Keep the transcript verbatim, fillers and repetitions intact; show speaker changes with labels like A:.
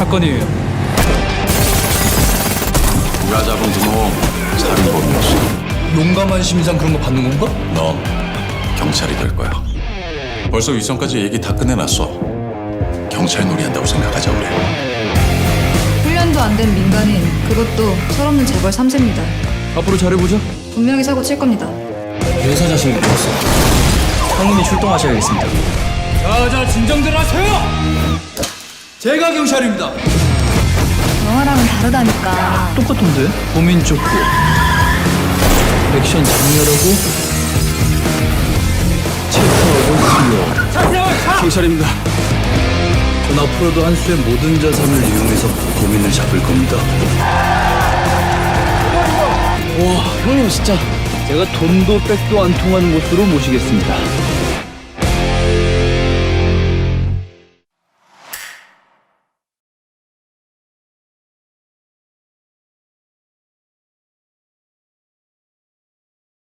A: 사건이에요.
B: 우리가 잡은 두놈 살인범이었어.
C: 용감한 심상 그런 거 받는 건가?
B: 너 경찰이 될 거야. 벌써 위선까지 얘기 다 끝내놨어. 경찰 놀이한다고 생각하자 우리.
D: 훈련도 안 된 민간인, 그것도 철없는 재벌 삼 세입니다.
A: 앞으로 잘해보자.
D: 분명히 사고 칠 겁니다.
A: 여사 자신을 믿었어. 상인이 출동하셔야겠습니다.
C: 자자 진정들 하세요. 제가 경찰입니다.
D: 영화랑은 다르다니까.
A: 똑같은데? 범인 쫓고 액션 장렬하고 체크하고 수요. 경찰입니다. 전 앞으로도 한수의 모든 자산을 이용해서 범인을 잡을 겁니다. 와, 형님 진짜 제가 돈도 백도 안 통하는 곳으로 모시겠습니다.